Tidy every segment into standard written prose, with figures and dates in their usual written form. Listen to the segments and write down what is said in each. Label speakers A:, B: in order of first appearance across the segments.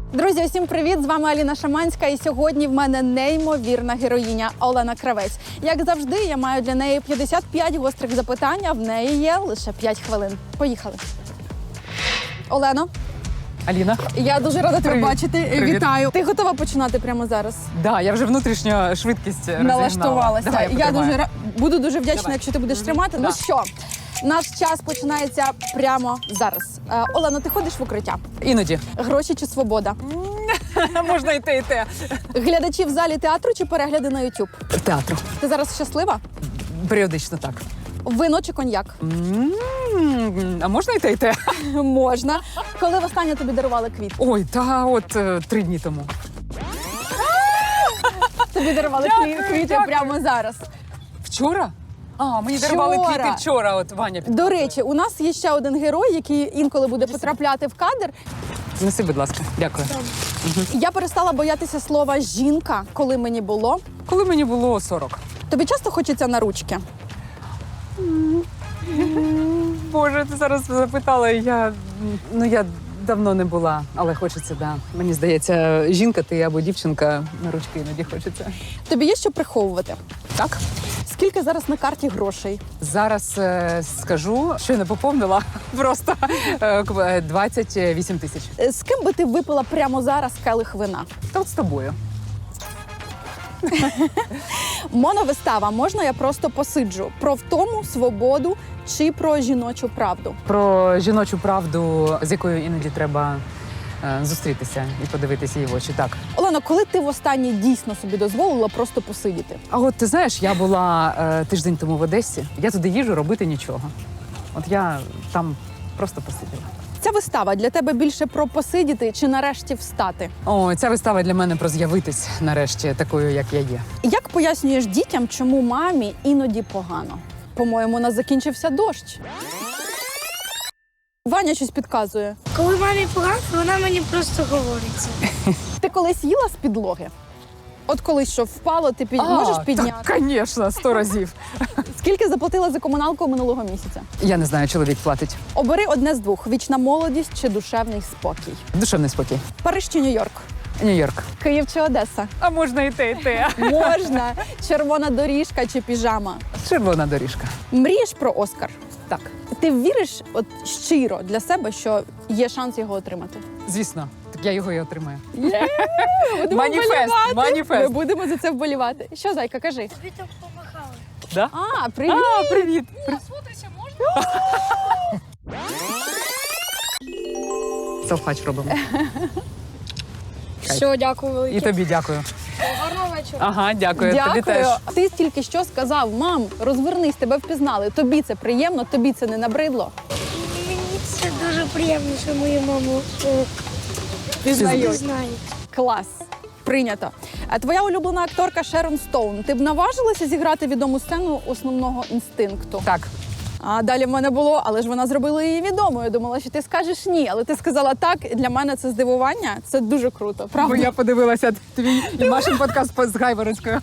A: Друзі, усім привіт! З вами Аліна Шаманська, і сьогодні в мене неймовірна героїня Олена Кравець. Як завжди, я маю для неї 55 гострих запитань, а в неї є лише 5 хвилин. Поїхали. Олено,
B: Аліна.
A: я дуже рада тебе
B: Привіт.
A: бачити.
B: Привіт.
A: Вітаю. Ти готова починати прямо зараз?
B: Да, я вже внутрішньо швидкість
A: Налаштувалася.
B: Давай,
A: Я
B: потримаю.
A: буду дуже вдячна,
B: Давай.
A: якщо ти будеш тримати.
B: Да.
A: Ну що, наш час починається прямо зараз. Олено, ти ходиш в укриття?
B: Іноді.
A: Гроші чи свобода?
B: Можна і те, і те.
A: Глядачі в залі театру чи перегляди на YouTube?
B: Театру.
A: Ти зараз щаслива?
B: Періодично так.
A: Вино чи коньяк?
B: А можна і те, і те?
A: Можна. Коли востаннє тобі дарували квіт?
B: Ой, та от 3 дні тому.
A: Тобі дарували квіти
B: дякую.
A: прямо зараз.
B: Вчора? А, мені дарували
A: Вчора.
B: квіти вчора, от Ваня підказує.
A: До речі, у нас є ще один герой, який інколи буде потрапляти в кадр.
B: Неси, будь ласка. Дякую.
A: Я перестала боятися слова «жінка», коли мені було.
B: Коли мені було 40.
A: Тобі часто хочеться на ручки?
B: Боже, ти зараз запитала, я давно не була, але хочеться, да. Мені здається, жінка ти або дівчинка, на ручки іноді хочеться.
A: Тобі є що приховувати?
B: Так?
A: Скільки зараз на карті грошей?
B: Зараз скажу, що я не поповнила, просто 28 тисяч.
A: З ким би ти випила прямо зараз келих вина?
B: Та от з тобою.
A: Моновистава «Можна я просто посиджу» про втому, свободу чи про жіночу правду?
B: Про жіночу правду, з якою іноді треба зустрітися і подивитися її в очі. Так.
A: Олено, коли ти востаннє дійсно собі дозволила просто посидіти?
B: А от ти знаєш, я була тиждень тому в Одесі. Я туди їжджу робити нічого. От я там просто посиділа.
A: Ця вистава для тебе більше про посидіти чи нарешті встати?
B: О, ця вистава для мене про з'явитись нарешті такою, як я є.
A: Як пояснюєш дітям, чому мамі іноді погано? По-моєму, у нас закінчився дощ. Ваня щось підказує.
C: Коли мамі погано, вона мені просто говорить.
A: Ти колись їла з підлоги? От колись що впало, ти можеш підняти?
B: Так, звісно, 100 разів.
A: Скільки заплатила за комуналку минулого місяця?
B: Я не знаю, чоловік платить.
A: Обери одне з двох: вічна молодість чи душевний спокій.
B: Душевний спокій.
A: Париж чи Нью-Йорк?
B: Нью-Йорк.
A: Київ чи Одеса?
B: А можна і те, і те.
A: Можна. Червона доріжка чи піжама?
B: Червона доріжка.
A: Мрієш про Оскар?
B: Так,
A: Ти віриш от щиро для себе, що є шанс його отримати?
B: звісно. Так я його і отримаю.
A: Будемо
B: Маніфест,
A: вболівати.
B: маніфест.
A: Ми будемо за це вболівати. Що, зайка, кажи?
C: Тобі так помахали.
B: Да?
A: А, привіт!
B: А, привіт. Селфач робимо.
C: Все, дякую
B: І
C: велике.
B: тобі дякую.
C: Гарного вечора.
B: Ага, дякую. Тобі
A: Дякую.
B: теж.
A: Ти тільки що сказав: мам, розвернись, тебе впізнали. Тобі це приємно, тобі це не набридло.
C: Мені це дуже приємно, що мою маму
A: Пізнають.
C: знають.
A: Клас. Прийнято. А твоя улюблена акторка Шерон Стоун. Ти б наважилася зіграти відому сцену основного інстинкту?
B: Так.
A: А далі в мене було, але ж вона зробила її відомою. Я думала, що ти скажеш ні, але ти сказала так. Для мене це здивування. Це дуже круто. Правда?
B: Бо я подивилася твій і Машин подкаст з Гайворонською.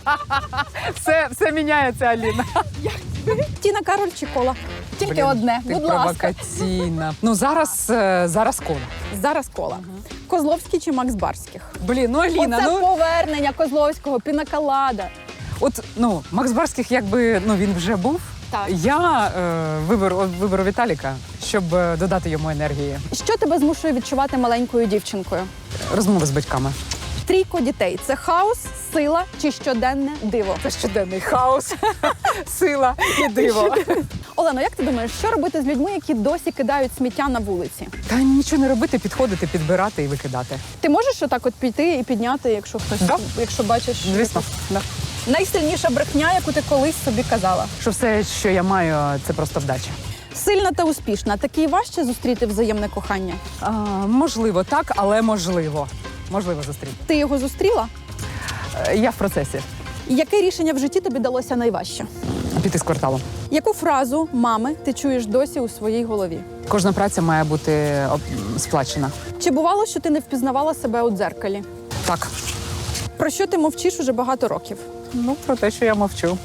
B: Все міняється, Аліна.
A: Тіна Кароль чи Кола? Тільки
B: Блін,
A: одне.
B: ти
A: Будь ласка.
B: провокаційна. Ну, зараз Кола.
A: Зараз Кола. Козловський чи Макс Барських?
B: Блін, ну Аліна,
A: Оце
B: ну
A: повернення Козловського, пінаколада.
B: от Макс Барських, якби він вже був.
A: Так.
B: Я виберу Віталіка, щоб додати йому енергії.
A: Що тебе змушує відчувати маленькою дівчинкою?
B: Розмови з батьками.
A: Трійко дітей – це хаос, сила чи щоденне диво?
B: Це щоденний хаос, сила і диво.
A: Олено, як ти думаєш, що робити з людьми, які досі кидають сміття на вулиці?
B: Та нічого не робити, підходити, підбирати і викидати.
A: Ти можеш отак от піти і підняти, якщо хтось,
B: Да.
A: якщо бачиш?
B: Звісно, да.
A: Найсильніша брехня, яку ти колись собі казала?
B: Що все, що я маю, це просто вдача.
A: Сильна та успішна. Такий важче зустріти взаємне кохання.
B: Можливо, так, але можливо. Можливо зустріти.
A: Ти його зустріла?
B: Я в процесі.
A: Яке рішення в житті тобі далося найважче?
B: Піти з кварталу.
A: Яку фразу мами ти чуєш досі у своїй голові?
B: Кожна праця має бути сплачена.
A: Чи бувало, що ти не впізнавала себе у дзеркалі?
B: Так.
A: Про що ти мовчиш уже багато років?
B: Ну, про те, що я мовчу.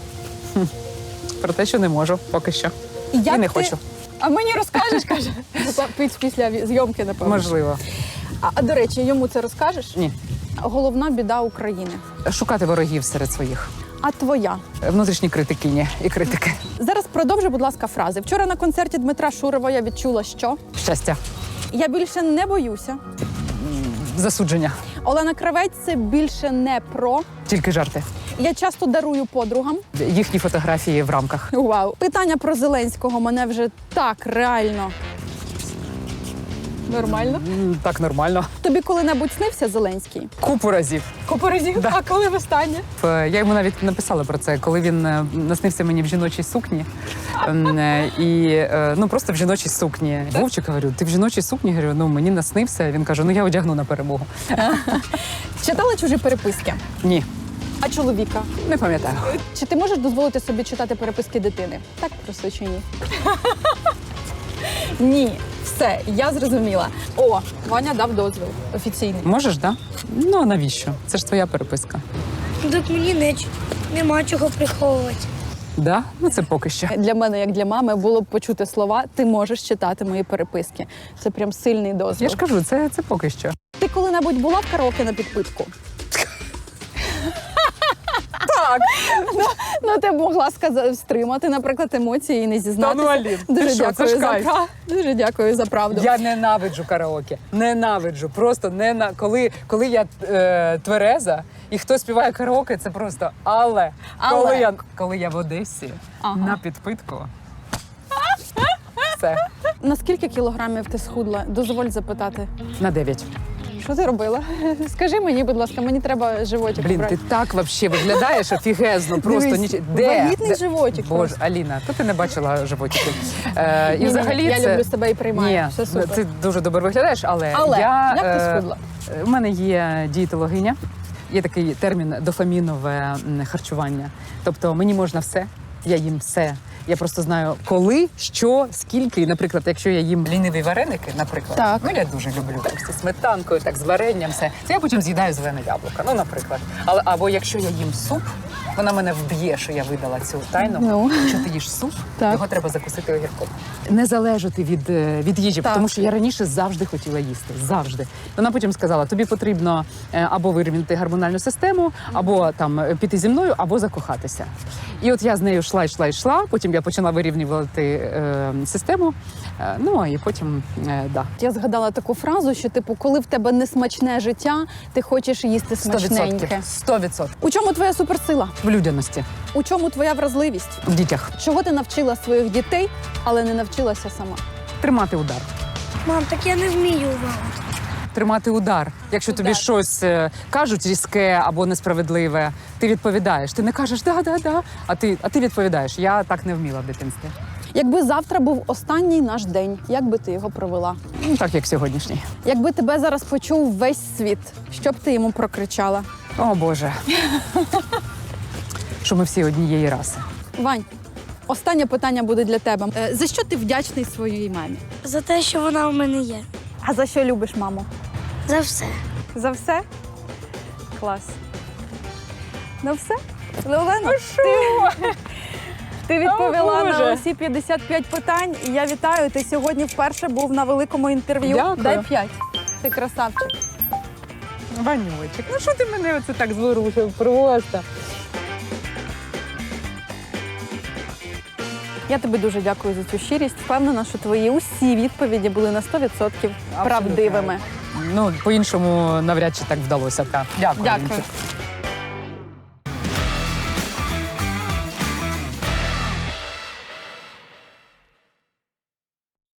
B: Про те, що не можу поки що.
A: Як
B: І не
A: ти-
B: хочу.
A: А мені розкажеш, каже. Після зйомки, напевно.
B: Можливо.
A: А до речі, йому це розкажеш?
B: Ні.
A: Головна біда України.
B: Шукати ворогів серед своїх.
A: А твоя?
B: Внутрішні критикині і критики.
A: Зараз продовжи, будь ласка, фрази. Вчора на концерті Дмитра Шурова я відчула, що
B: Щастя.
A: я більше не боюся.
B: Засудження.
A: Олена Кравець – це більше не про.
B: Тільки жарти.
A: Я часто дарую подругам.
B: Їхні фотографії в рамках.
A: Вау. Питання про Зеленського мене вже так реально. Нормально.
B: Так нормально.
A: Тобі коли-небудь снився Зеленський?
B: Купу разів.
A: Купу разів?
B: Да.
A: А коли востаннє?
B: Я йому навіть написала про це, коли він наснився мені в жіночій сукні. Просто в жіночій сукні. Вовчик, говорю, ти в жіночій сукні? Говорю, мені наснився. Він каже, я одягну на перемогу.
A: Читала чужі переписки?
B: Ні,
A: А чоловіка?
B: не пам'ятаю.
A: Чи ти можеш дозволити собі читати переписки дитини? Так просто чи ні? Ні. Все, я зрозуміла. О, Ваня дав дозвіл офіційний.
B: Можеш, так? Да? А навіщо? Це ж твоя переписка.
C: Так мені нема чого приховувати.
B: Да? Це поки що.
A: Для мене, як для мами, було б почути слова «ти можеш читати мої переписки». Це прям сильний дозвіл.
B: Я ж кажу, це поки що.
A: Ти коли-небудь була в караоке на підпитку?
B: Так.
A: Ти б могла стримати, наприклад, емоції і не зізнатися.
B: Алін,
A: Дуже
B: ти що, це
A: дякую
B: ж
A: за
B: кайф.
A: Дуже дякую за правду.
B: Я ненавиджу караоке. Ненавиджу. Просто коли я твереза і хто співає караоке, це просто але. Коли я в Одесі на підпитку. Все.
A: На скільки кілограмів ти схудла? Дозволь запитати.
B: На 9.
A: Що ти робила? Скажи мені, будь ласка, мені треба животик.
B: Блін,
A: брати.
B: ти так взагалі виглядаєш офігезно. Просто
A: Дивись,
B: Де?
A: вагітний животик
B: Боже,
A: просто.
B: Аліна, то ти не бачила животиків. І
A: Ні,
B: взагалі
A: я
B: це...
A: люблю себе і приймаю.
B: Ні,
A: Все супер.
B: ти дуже добре виглядаєш, але
A: як ти схудла?
B: У мене є дієтологиня, є такий термін дофамінове харчування. Тобто мені можна все, я їм все. Я просто знаю, коли, що, скільки. І, наприклад, якщо я їм ліниві вареники, наприклад,
A: Так.
B: я дуже люблю так, зі сметанкою, так, з варенням, все. Це я потім з'їдаю зелене яблуко, наприклад. Або якщо я їм суп, вона мене вб'є, що я видала цю тайну. Якщо ти їш суп,
A: Так.
B: його треба закусити огірком. Не залежати від їжі,
A: Так.
B: тому що я раніше завжди хотіла їсти. Завжди. Вона потім сказала, тобі потрібно або вирівняти гормональну систему, або там піти зі мною, або закохатися. І от я з нею йшла, потім я почала вирівнювати систему, і потім, да.
A: Я згадала таку фразу, що, коли в тебе несмачне життя, ти хочеш їсти смачненьке.
B: 100%.
A: У чому твоя суперсила?
B: В людяності,
A: У чому твоя вразливість?
B: в дітях.
A: Чого ти навчила своїх дітей, але не навчилася сама?
B: Тримати удар.
C: Мам, так я не вмію вам.
B: Тримати удар. Якщо тобі щось кажуть різке або несправедливе, ти відповідаєш. Ти не кажеш «да», а ти відповідаєш. Я так не вміла в дитинстві.
A: Якби завтра був останній наш день, як би ти його провела?
B: Так, як сьогоднішній.
A: Якби тебе зараз почув весь світ, що б ти йому прокричала?
B: О, Боже. Що ми всі однієї раси.
A: Вань, останнє питання буде для тебе. За що ти вдячний своїй мамі?
C: За те, що вона у мене є.
A: А за що любиш маму?
C: За все.
A: За все? Клас. Ну все? Олена, ти відповіла на усі 55 питань. І я вітаю, ти сьогодні вперше був на великому інтерв'ю.
B: Дякую.
A: Дай 5. Ти красавчик.
B: Ванючик, що ти мене оце так зворушив просто?
A: Я тобі дуже дякую за цю щирість. Впевнена, що твої усі відповіді були на 100% правдивими.
B: По-іншому навряд чи так вдалося. Так. Дякую.
A: Дякую.
B: Вінчик.